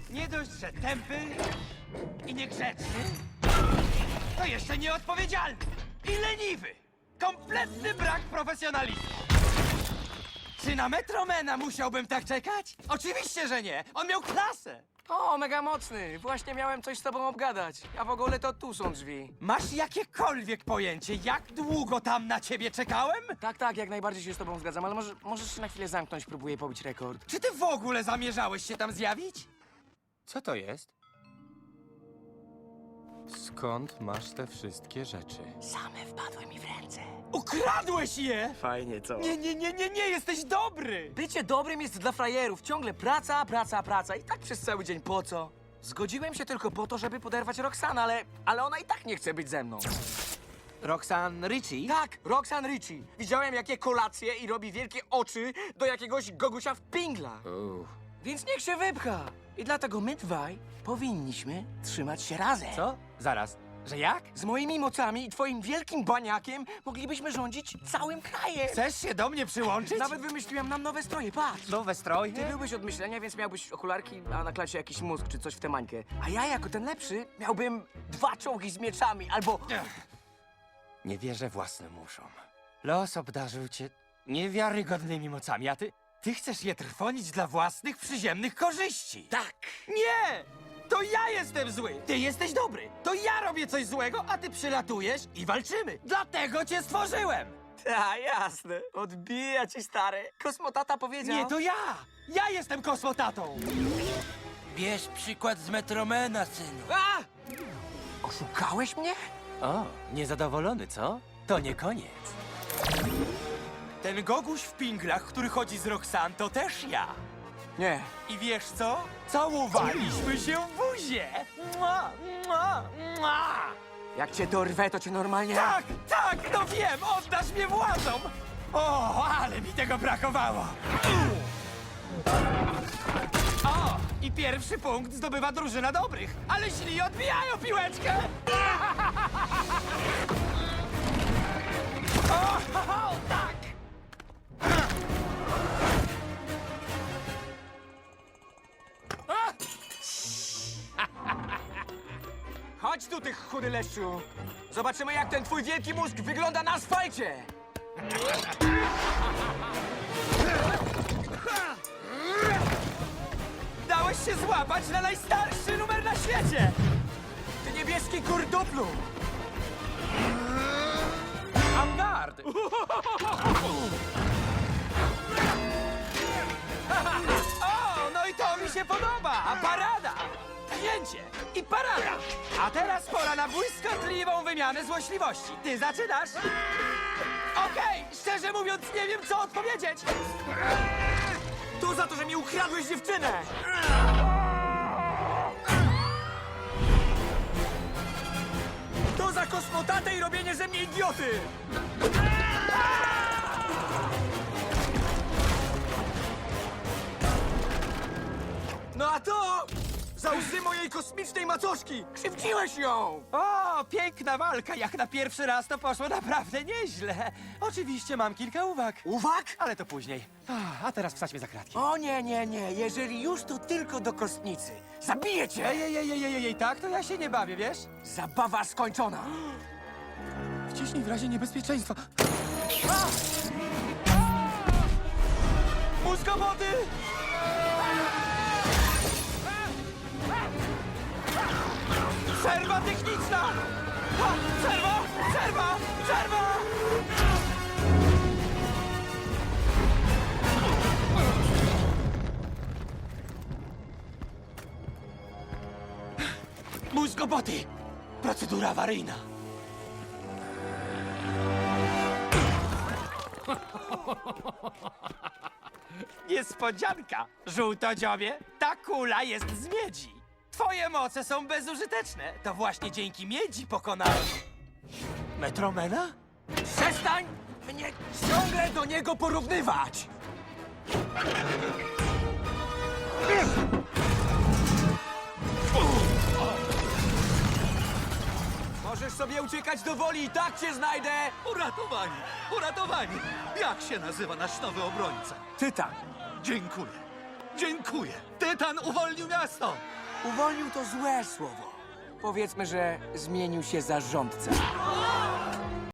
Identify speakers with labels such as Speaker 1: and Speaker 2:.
Speaker 1: Nie dość, że tępy i niegrzeczny, to jeszcze nieodpowiedzialny i leniwy. Kompletny brak profesjonalizmu. Czy na Metromena musiałbym tak czekać? Oczywiście, że nie. On miał klasę.
Speaker 2: O, mega mocny. Właśnie miałem coś z tobą obgadać. A w ogóle to tu są drzwi.
Speaker 1: Masz jakiekolwiek pojęcie, jak długo tam na ciebie czekałem?
Speaker 2: Tak, jak najbardziej się z tobą zgadzam, ale możesz się na chwilę zamknąć, próbuję pobić rekord.
Speaker 1: Czy ty w ogóle zamierzałeś się tam zjawić? Co to jest? Skąd masz te wszystkie rzeczy?
Speaker 2: Same wpadły mi w ręce.
Speaker 1: Ukradłeś je!
Speaker 2: Fajnie, co?
Speaker 1: Nie, jesteś dobry!
Speaker 2: Bycie dobrym jest dla frajerów. Ciągle praca, praca, praca. I tak przez cały dzień. Po co? Zgodziłem się tylko po to, żeby poderwać Roxanne, ale ona i tak nie chce być ze mną.
Speaker 1: Roxanne Ritchie?
Speaker 2: Tak, Roxanne Ritchie. Widziałem, jakie kolacje i robi wielkie oczy do jakiegoś gogusia w pinglach. Więc niech się wypcha. I dlatego my dwaj powinniśmy trzymać się razem.
Speaker 1: Co? Zaraz. Że jak?
Speaker 2: Z moimi mocami i twoim wielkim baniakiem moglibyśmy rządzić całym krajem.
Speaker 1: Chcesz się do mnie przyłączyć?
Speaker 2: Nawet wymyśliłem nam nowe stroje, patrz.
Speaker 1: nowe stroje?
Speaker 2: Ty byłbyś od myślenia, więc miałbyś okularki, a na klasie jakiś mózg czy coś w tę mańkę. A ja jako ten lepszy miałbym 2 czołgi z mieczami albo...
Speaker 1: Nie wierzę własnym uszom. Los obdarzył cię niewiarygodnymi mocami, a ty chcesz je trwonić dla własnych przyziemnych korzyści.
Speaker 2: Tak.
Speaker 1: Nie! To ja jestem zły! Ty jesteś dobry! To ja robię coś złego, a ty przylatujesz i walczymy! Dlatego cię stworzyłem!
Speaker 2: Ta, jasne. Odbija ci, stary. Kosmotata powiedział...
Speaker 1: Nie, to ja! Ja jestem kosmotatą!
Speaker 3: Bierz przykład z Metromena, synu.
Speaker 2: A! Oszukałeś mnie?
Speaker 1: O, niezadowolony, co? To nie koniec. Ten goguś w pinglach, który chodzi z Roxanne, to też ja.
Speaker 2: Nie.
Speaker 1: I wiesz co? Całowaliśmy się w buzie! Mua, mua, mua.
Speaker 2: Jak cię dorwę, to cię normalnie...
Speaker 1: Tak, no wiem! Oddasz mnie władzom! O, ale mi tego brakowało! O, i pierwszy punkt zdobywa drużyna dobrych, ale źli odbijają piłeczkę! O, tak!
Speaker 2: Chodź tu, ty chudy leszczu. Zobaczymy, jak ten twój wielki mózg wygląda na asfalcie.
Speaker 1: Dałeś się złapać na najstarszy numer na świecie!
Speaker 2: Ty niebieski kurduplu.
Speaker 1: Avantgarde! O, no i to mi się podoba! A parada! Pchnięcie i parada! A teraz pora na błyskotliwą wymianę złośliwości. Ty zaczynasz? Okej, szczerze mówiąc nie wiem, co odpowiedzieć!
Speaker 2: To za to, że mi ukradłeś dziewczynę. To za kosmotatę i robienie ze mnie idioty. No a to za łzy mojej kosmicznej macoszki! Krzywdziłeś ją!
Speaker 1: O, piękna walka! Jak na pierwszy raz to poszło naprawdę nieźle. Oczywiście mam kilka uwag,
Speaker 2: Uwag!
Speaker 1: ale to później. A teraz wsadźmy za kratki.
Speaker 2: O nie, jeżeli już to tylko do kostnicy. Zabiję cię!
Speaker 1: Ej, tak to ja się nie bawię, wiesz?
Speaker 2: Zabawa skończona!
Speaker 1: Wciśnij w razie niebezpieczeństwa. Mózgoboty! Przerwa techniczna! Przerwa! Mózgoboty! Procedura awaryjna. Niespodzianka, żółtodziobie. Ta kula jest z miedzi. Twoje moce są bezużyteczne. To właśnie dzięki miedzi pokonałem Metromena?
Speaker 2: Przestań mnie ciągle do niego porównywać! Możesz sobie uciekać do woli i tak cię znajdę!
Speaker 3: Uratowani! Jak się nazywa nasz nowy obrońca?
Speaker 2: Tytan.
Speaker 3: Dziękuję.
Speaker 4: Dziękuję. Tytan uwolnił miasto.
Speaker 2: Uwolnił to złe słowo. Powiedzmy, że zmienił się zarządca.